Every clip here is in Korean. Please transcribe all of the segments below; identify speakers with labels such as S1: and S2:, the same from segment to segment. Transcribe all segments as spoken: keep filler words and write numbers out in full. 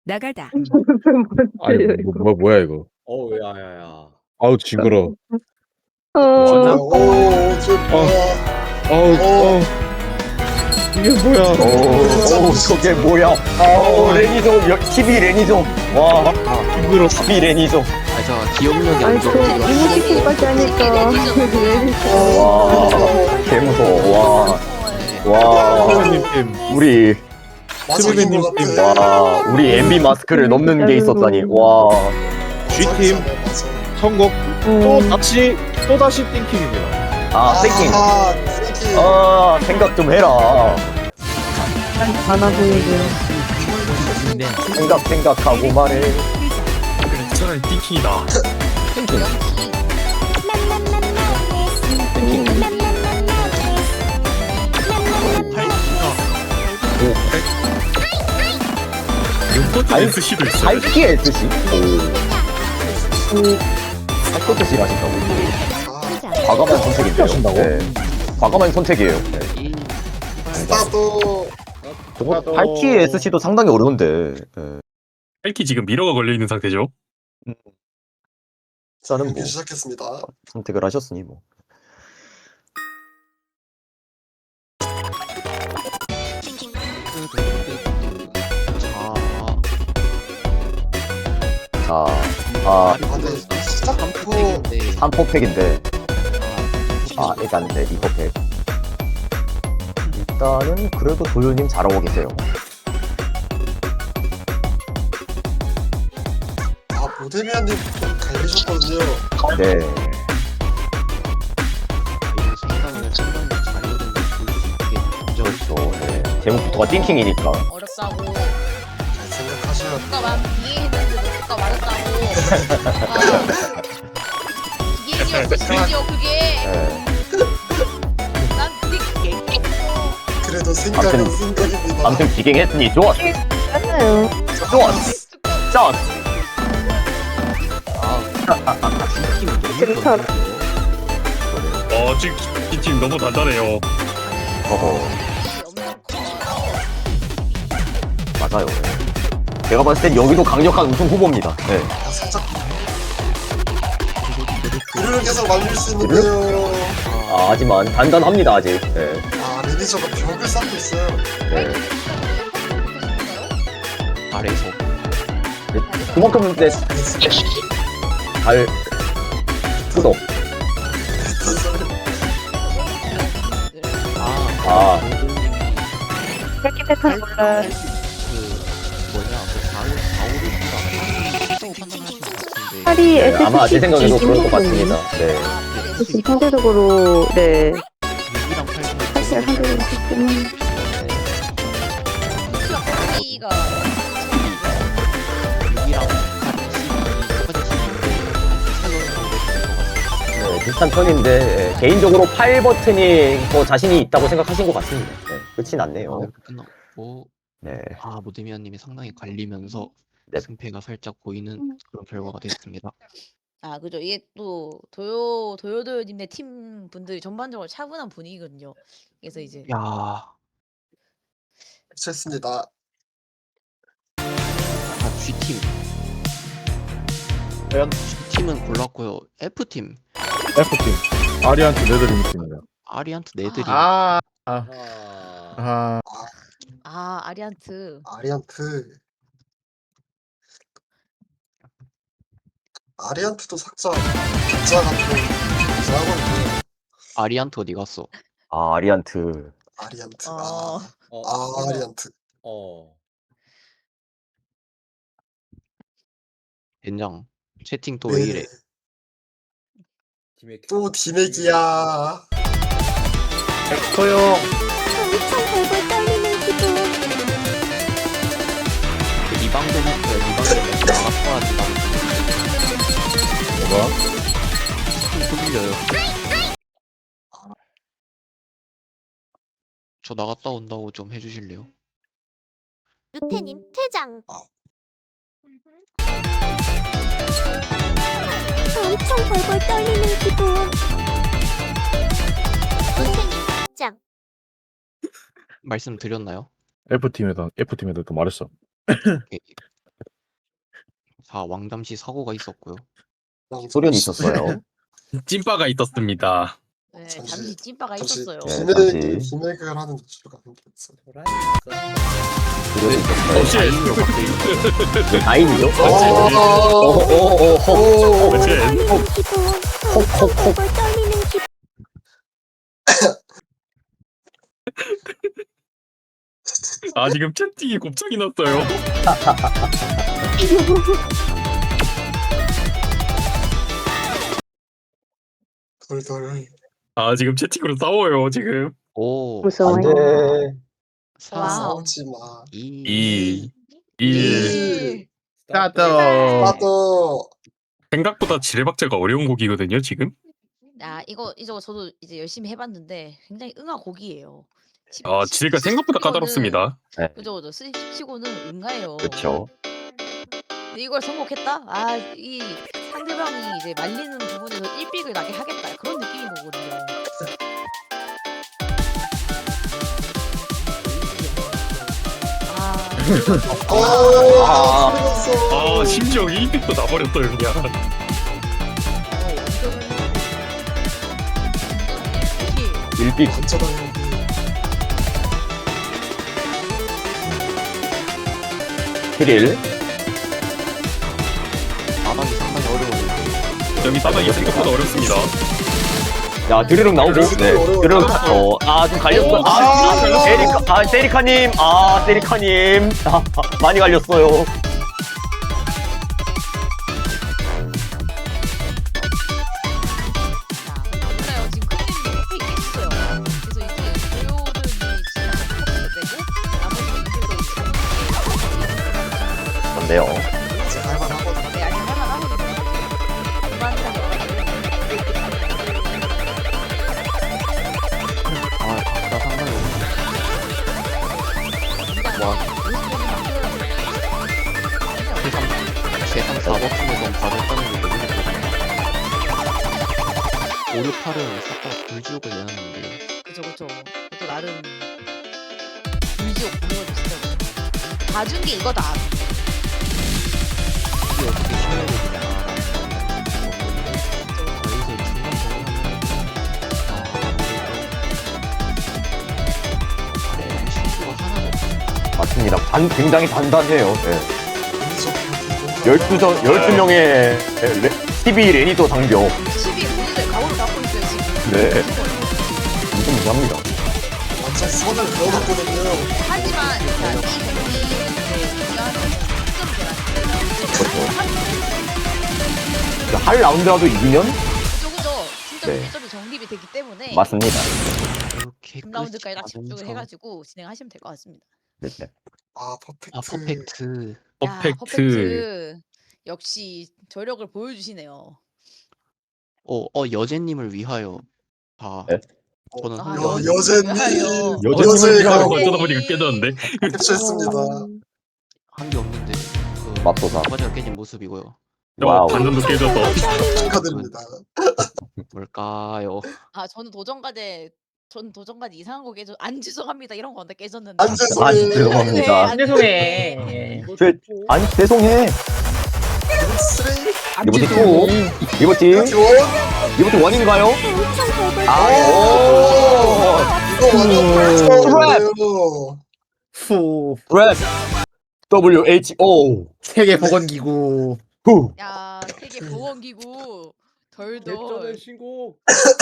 S1: 나가다.
S2: 아니
S3: 뭔데요
S2: 뭐,
S3: 이거?
S2: 뭐 뭐야 이거?
S4: 어우 야야야.
S2: 아우 징그러.
S3: 어.
S4: 뭐하나?
S5: 오, 저 뭐야?
S2: 아우 어. 이게 뭐야?
S6: 오, 오, 저게 뭐야? 어, 레니좀, 여- 티비 레니좀. 와,
S2: 징그러.
S6: 티비 레니좀.
S7: 아, 저 기억력이
S3: 아니
S7: 안
S3: 저
S7: 좋아서
S3: 이모티콘까지 하니까
S6: 와, 개무서워. 와, 와,
S2: 선생님 팀.
S6: 우리,
S5: 맞아인
S2: 스베님
S5: 것
S2: 팀.
S5: 같아.
S6: 와, 우리 엠비 마스크를 넘는 게 있었다니. 와,
S2: G팀 성공. 또 다시 또 다시 띵킹입니다.
S6: 아, 땡킹.
S5: 아, 땡킹.
S6: 아, 생각 좀 해라.
S3: 많아 보이고요.
S7: 근데
S6: 생각, 생각하고 말해.
S7: 차라리 띵킹이다.
S6: 땡킹.
S7: 요거트 에스씨도 있어요.
S6: 살기 에스씨? 오. 살기 에스씨 하신다고.
S5: 아,
S6: 과감한 선택인데요.
S2: 하신다고?
S6: 네. 과감한 선택이에요. 네.
S5: 스타트.
S6: 저거 팔키 에스씨도 상당히 어려운데. 네.
S7: 헬키 지금 미러가 걸려 있는 상태죠.
S6: 저는 뭐
S5: 경기 시작했습니다.
S6: 선택을 하셨으니 뭐. 자, 아,
S5: 아, 근데 시작부터
S6: 삼 퍼팩인데. 아, 일단 네, 이 퍼팩. 일단은 그래도 도요님 잘하고 계세요.
S5: 아 모데미안님 좀 갈리셨거든요.
S6: 네. 그렇죠. 네. 제목부터가 띵킹이니까.
S8: 어렵다고
S5: 잘 생각하셔야 돼.
S8: 누가 막 이해했는데도 누가 말했다고 어. 이해지었어 심지어 그게
S6: 네.
S8: 난 그게 얘기했어
S5: 그래도 생각은
S6: 아무튼-
S5: 생각입니다.
S6: 아무튼 기갱했으니 좋았어.
S3: 맞아요.
S6: 좋았어. 짠.
S3: 재밌다.
S7: 어, 지금 이팀 너무 단단해요.
S6: 어허. 맞아요. 제가 봤을 땐 여기도 강력한 우승 후보입니다. 네.
S5: 아, 살짝 그를 계속 말릴 수 있는데요.
S6: 아, 하지만 단단합니다 아직. 네.
S5: 아 매니저가 벽을 쌓고 있어요.
S6: 네.
S7: 아래에서.
S6: 그만큼 네, 잘 뜯어. 아,
S3: 이렇게 패턴 몰라. 팔이
S6: 네, 아마 제
S3: 에스씨
S6: 생각에도 그럴 것
S3: 띵킹이거든요.
S6: 같습니다. 네.
S3: 에스씨 상대적으로 네. 팔씨가 상대적으로 좋지만
S8: 이가
S6: 네, 비슷한 편인데 예, 개인적으로 팔 버튼이 더 자신이 있다고 생각하신 것 같습니다. 네, 끝이 났네요.
S9: 이렇게 끝났고
S6: 네.
S9: 아 모데미안님이 상당히 갈리면서
S6: 네.
S9: 승패가 살짝 보이는 그런 결과가 됐습니다.
S8: 아 그죠 이게 또 도요 도요도요님네 팀 분들이 전반적으로 차분한 분위기거든요 그래서 이제
S9: 야,
S5: 했습니다.
S9: 아 G팀. 과연 G팀은 골랐고요. F팀
S2: F팀 아리안트 네드림 팀입니다.
S9: 아리안트 네드림.
S2: 아, 아,
S4: 아.
S2: 아,
S8: 아 아리안트
S5: 아리안트. 아리안트도 삭자 삭자 같은 삭자거든요.
S9: 아리안트 어디 갔어?
S6: 아, 아리안트.
S5: 아리안트.
S8: 어
S5: 아,
S4: 어.
S5: 아 아리안트.
S4: 어.
S9: 된장. 채팅 또 왜 이래?
S4: 팀의
S5: 또 디맥이야.
S2: 엑스터요.
S9: 이 방송부터 이 방송 나갔다 하지
S2: 뭐가?
S9: 소들려요. 저 나갔다 온다고 좀 해주실래요?
S10: 루테님 퇴장. 엄청 벌벌 떨리는 기분. 루테님 퇴장.
S9: 말씀드렸나요?
S2: F팀에다 F팀에다 또 말했어.
S9: 오케이. 사 왕담시 사고가 있었고요.
S6: 소련이 있었어요.
S7: 찐빠가 있었습니다.
S8: 네,
S5: 잠시-
S8: 잠시 찐빠가
S5: 잠시
S8: 있었어요.
S6: 네,
S5: 비밀
S6: 잠시.
S5: 비밀극을 하는 도주가 생겼어.
S6: 소련이 있었어요.
S7: 쉣.
S9: 다행히도 갑자기
S6: 이게 다인이죠?
S5: 오.
S6: 오오오호.
S7: 쉣.
S10: 떨리는 기분. 엄청 벌벌 떨리는 기분.
S7: 아 지금 채팅이 곱창이 났어요.
S5: 덜덜.
S7: 아 지금 채팅으로 싸워요 지금.
S9: 오
S3: 무서워요.
S6: 안돼.
S9: 사
S8: 와우.
S5: 싸우지 마.
S9: 이
S7: 이 일.
S8: 일.
S2: 스타트.
S5: 나도
S7: 생각보다 지뢰박자가 어려운 곡이거든요 지금.
S8: 야 이거 이거 저도 이제 열심히 해봤는데 굉장히 응아 곡이에요. 십-
S7: 아
S8: 십-
S7: 지뢰가 생각보다
S8: 십치고는-
S7: 까다롭습니다.
S8: 그죠 그죠. 십치고는 응가예요.
S6: 그렇죠.
S8: 근데 이걸 성공했다? 아 이 상대방이 이제 말리는 부분에서 일빅을 나게 하겠다 그런 느낌인 거거든요. 아
S5: 어.
S6: 아.
S5: 틀렸어.
S7: 아 심지어 일 빅도 나버렸어요 그냥.
S8: 이게
S6: 일빅.
S5: 완전한 형이.
S6: 킬일.
S9: 바닥이 상당히 어려워요.
S7: 여기 바닥이 생각보다 어렵습니다.
S6: 야 드르륵 나오고. 네. 드르륵. 어, 아좀 갈렸어. 아,
S5: 아,
S6: 세리카. 아 세리카님. 아 세리카님. 아, 많이 갈렸어요.
S8: 몰라요. 지금 클릭이 옆에 있겠어요. 그래서 이제 도요들이 진짜 되고 나머지 분들도 이제
S6: 그런데요.
S5: 이제 할만하거든.
S8: 네, 아직 할만하거든요. 무난하게
S9: 아 각자 상당히 세상 사 버튼에서 바로 했다는 게 너무 좋거든요. 오, 육, 팔은 싹 다 불지옥을 내놨는데
S8: 그쵸 그쵸. 또 나름 불지옥 보내가지고 진짜 봐준 게 이거다.
S9: 이게 어떻게 신뢰를 그냥 저희들 중간 정리하면 아 아무래도 실수가 하나도 없어요.
S6: 맞습니다. 단 굉장히 단단해요. 네.
S5: 운석
S6: 열두 전 열두 명의 십이 레니더 장벽.
S8: 십이 오늘 가오를 갖고 있어요 지금.
S6: 네. 무슨 무시합니다.
S5: 완전 선을 그어놨거든요.
S8: 하지만 자, 이 경기를 이제 중요한 승점 계란.
S6: 할 라운드라도 이기면
S8: 그죠 그죠. 승점
S6: 네.
S8: 일 점이 정립이 되기 때문에
S6: 맞습니다.
S9: 이렇게
S8: 육 라운드까지 다
S9: 끝이
S8: 집중을
S9: 나면서-
S8: 해가지고 진행하시면 될 것 같습니다.
S6: 네, 네.
S5: 아 퍼펙트.
S9: 아 퍼펙트
S8: 야,
S7: 퍼펙트.
S8: 퍼펙트. 역시 저력을 보여주시네요.
S9: 어, 어 여제님을 위하여 다
S6: 네?
S9: 저는
S8: 아,
S9: 한
S5: 여,
S9: 명
S5: 여제님.
S8: 여제님.
S6: 여제님을
S5: 여제가
S6: 위하여.
S7: 어쩌다 보니까 깨졌는데.
S5: 캡처했습니다.
S9: 한게 없는데 그
S6: 맙소사.
S9: 과자가 깨진 모습이고요.
S7: 어,
S6: 와우.
S7: 반전도 깨졌어.
S5: 축하드립니다.
S9: 뭘까요?
S8: 아 저는 도전과제 전 도전과제 이상한 거 깨져 안 죄송합니다 이런 건데 깨졌는데.
S5: 안
S6: 아,
S5: 죄송해.
S6: 죄송합니다.
S8: 안 죄송해.
S6: 저, 아니 죄송해.
S5: 쓰레기.
S6: 리버티 투. 리버티.
S5: 원.
S6: 리버티 원인가요?
S10: 엄청 벌벌
S6: 아,
S10: 떨리는
S6: 오.
S5: 이거 완전 펄쩍이에요.
S2: 후.
S6: 랩. W H O.
S2: 세계 보건기구.
S6: 후.
S8: 야 세계 보건기구 덜덜.
S2: 신곡.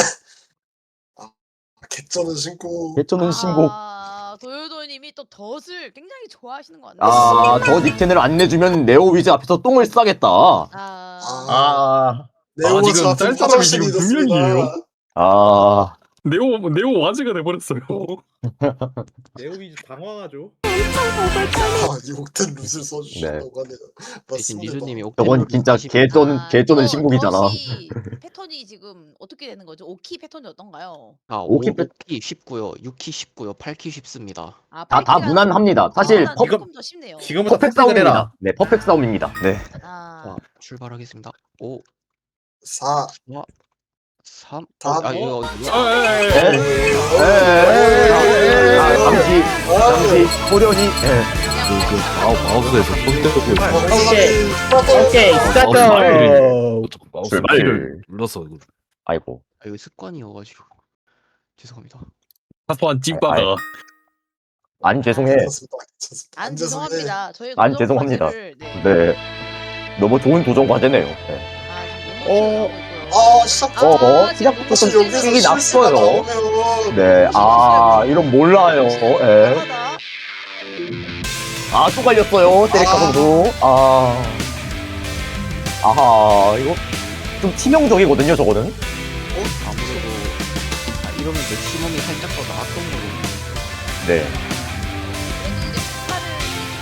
S5: 개쩌는 신고.
S6: 개쩌는 신곡.
S8: 아 도요도님이 또 덫을 굉장히 좋아하시는 것 같네요.
S6: 아, 저 닉텐을 안 내주면 네오위즈 앞에서 똥을 싸겠다.
S8: 아,
S2: 아.
S5: 네오
S7: 지금
S5: 자
S7: 짤 사람이
S5: 화장실이
S7: 지금
S5: 됐습니다.
S7: 분명이에요.
S6: 아,
S7: 네오 네오 와즈가 돼버렸어요.
S2: 네오위즈 당황하죠.
S10: 벌벌 떨리는
S5: 아, 이 옥텐 룻을 써주셨다고 하네요.
S9: 대신
S5: 맞습니다.
S9: 리조님이
S6: 저건 진짜 개쩌는
S8: 아,
S6: 개쩌는
S8: 이거
S6: 신곡이잖아.
S8: 덫이 패턴이 지금 어떻게 되는 거죠? 오 키 패턴이 어떤가요?
S9: 아,
S6: 오키
S9: 오 키 쉽고요. 육 키 쉽고요. 팔 키 쉽습니다.
S8: 아,
S6: 다, 다
S8: 팔 키가
S6: 무난합니다. 사실
S8: 아,
S6: 퍼,
S2: 이거-
S8: 조금 더 쉽네요.
S2: 지금부터
S6: 퍼펙트
S2: 팩트를 해라.
S6: 싸움입니다. 네, 퍼펙트 싸움입니다. 네.
S8: 아,
S9: 자, 출발하겠습니다. 오,
S5: 사.
S9: 삼.
S5: 다-
S9: 아, 이거 이거
S7: 아, 예, 예, 예.
S6: 에, 에, 에, 에, 아, 잠시, 잠시, 소련이, 예.
S8: 그냥
S7: 그 마우 마우스에서 손 대고 있어.
S2: 오케이. 오케이
S7: 마우스
S2: 스타트.
S7: 마우스를 마우스
S6: 출발.
S7: 키를 눌러서 이거
S6: 아이고.
S9: 아, 이거 습관이어가지고 죄송합니다.
S7: 사소한 찐빠가
S6: 안 죄송해.
S5: 괜찮습니다. 괜찮습니다.
S8: 안
S5: 죄송해.
S8: 죄송합니다. 저희
S6: 안
S8: 도전
S6: 죄송합니다.
S8: 과제를, 네.
S6: 네. 너무 좋은 도전 과제네요. 네.
S8: 아, 지금
S2: 어.
S8: 너무 하고 있고요.
S5: 아 시작.
S6: 어, 어,
S8: 아,
S6: 시작부터
S8: 지금
S6: 좀
S8: 너무
S5: 여기서
S6: 삑이
S5: 실수가
S6: 났어요.
S5: 나오면
S6: 네. 아, 이런 몰라요. 예.
S8: 나가다.
S6: 아, 또 갈렸어요. 때릴까
S5: 아.
S6: 선수. 아. 아하, 이거 좀 치명적이거든요, 저거는.
S9: 아무래도 아, 이러면 내 심험이 살짝 더 나았던 거고.
S6: 네.
S8: 그래도 이제 폭발을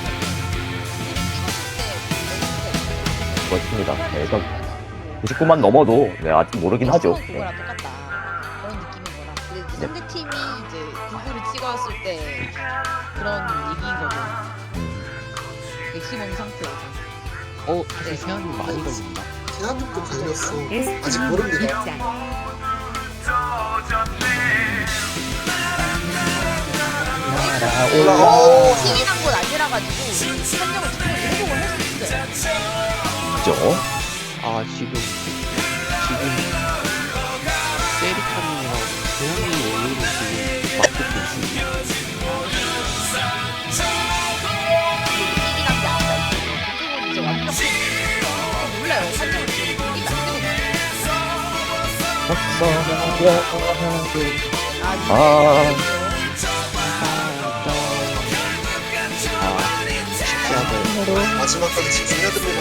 S8: 찍었을 때
S6: 그렇습니다. 네, 일단 구십구만 넘어도 네, 아직 모르긴 하죠. 네.
S8: 그거랑 똑같다. 그런 느낌인 거라. 근데 이제
S6: 네.
S8: 상대 팀이 이제 구구를 찍었을 때 그런 얘기인 거고.
S6: 음,
S8: 맥시멈 상태에서.
S9: 어, 사실 세안이 많이 걸린다.
S5: 대한민국 걸렸어. 아직 모릅니다. 올라. 어.
S8: 팀이 난 건 아니라 가지고 판정을 충분히 회복을 할 수 있어요.
S6: 그죠?
S9: 아, 지금 지금 세리카님이랑 조용히 에이를 지금 맞고 있습니다.
S8: 팀이 난게 아니다. 그쪽은 이제 완벽히 몰라요. 판정을 지금 이기면 안 되거든요. 아,
S6: 아.
S9: 아, 쉽지 않아요.
S5: 마지막까지 집중해야 됩니다.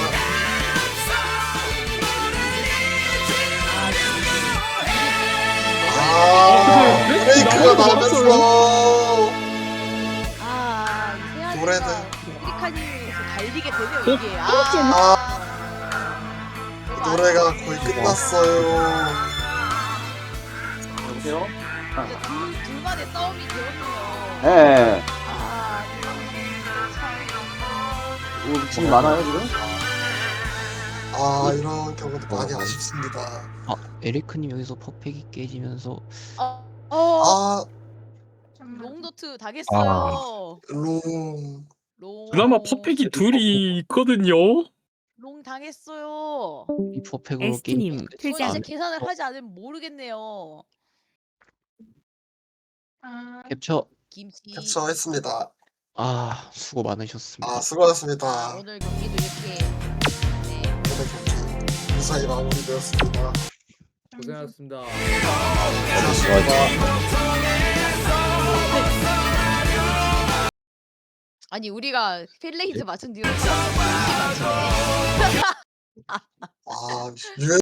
S5: 아 브레이크가 나면서
S8: 아, 이
S5: 노래는.
S8: 세아리가 아프리카님에서 갈리게 되네요 이게. 아,
S5: 아 노래가 거의 끝났어요.
S6: 여보세요?
S8: 이제 둘, 둘만의 싸움이 되었네요.
S6: 네.
S8: 아, 참.
S6: 뭐, 지금 많아요, 지금?
S5: 아 이런 경우도 많이 아쉽습니다.
S9: 아, 에리크님 여기서 퍼펙이 깨지면서
S8: 어, 어,
S5: 아
S8: 롱도트 당했어요.
S5: 롱.
S8: 롱.
S7: 그나마 퍼펙이 둘이 있거든요.
S8: 롱 당했어요.
S9: 이 퍼펙으로
S10: 에스티님,
S9: 게임
S8: 저는
S10: 퇴장.
S8: 이제 계산을 하지 않으면 모르겠네요.
S9: 캡처.
S8: 김치.
S5: 캡처했습니다.
S9: 아, 수고 많으셨습니다.
S5: 아
S8: 아,
S5: 수고하셨습니다.
S8: 오늘 경기도 이렇게. 네.
S5: 오늘 경기 무사히 마무리되었습니다.
S4: 고생하셨습니다.
S8: 아니 우리가 필레이즈 맞춘 뒤로 사람들이 열심히 맞추네.
S5: 아 유엔